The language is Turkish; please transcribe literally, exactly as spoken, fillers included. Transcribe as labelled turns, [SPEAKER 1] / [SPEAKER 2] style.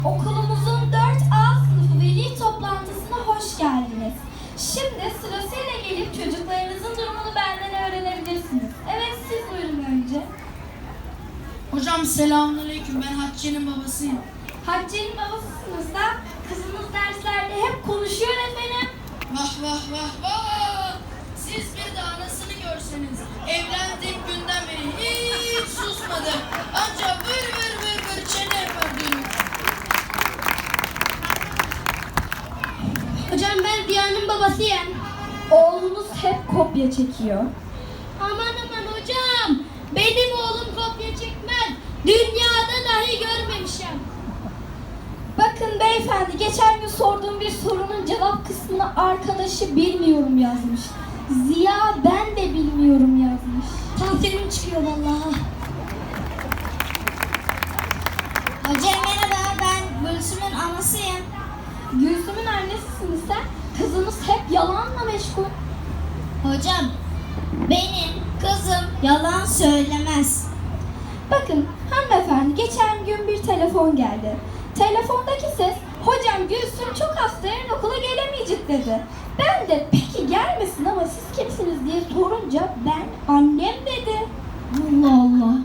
[SPEAKER 1] Okulumuzun dört A sınıfı veli toplantısına hoş geldiniz. Şimdi sırasıyla gelip çocuklarınızın durumunu benden öğrenebilirsiniz. Evet, siz buyurun önce.
[SPEAKER 2] Hocam selamünaleyküm. Ben Hatice'nin babasıyım.
[SPEAKER 1] Hatice'nin babasısınız da kızınız derslerde hep konuşuyor efendim.
[SPEAKER 2] Vah vah vah vah! Siz bir de anasını görseniz. Evlendiğim günden beri hiç susmadı. Ancak vır vır vır vır çene yapardı.
[SPEAKER 3] Hocam ben Diya'nın babasıyım.
[SPEAKER 1] Oğlunuz hep kopya çekiyor.
[SPEAKER 3] Aman aman hocam. Benim oğlum kopya çekmez. Dünyada dahi görmemişim.
[SPEAKER 1] Bakın beyefendi, geçen gün sorduğum bir sorunun cevap kısmına arkadaşı bilmiyorum yazmış. Ziya ben de bilmiyorum yazmış.
[SPEAKER 3] Tansiyonum çıkıyor vallahi.
[SPEAKER 4] Hocam merhaba, ben Gülsüm'ün anasıyım.
[SPEAKER 1] Gülsüm'ün annesisiniz sen. Kızınız hep yalanla meşgul.
[SPEAKER 4] Hocam, benim kızım yalan söylemez.
[SPEAKER 1] Bakın hanımefendi, geçen gün bir telefon geldi. Telefondaki ses, hocam Gülsüm çok hasta, yarın okula gelemeyecek dedi. Ben de peki gelmesin ama siz kimsiniz diye sorunca ben annem dedi.
[SPEAKER 3] Allah Allah.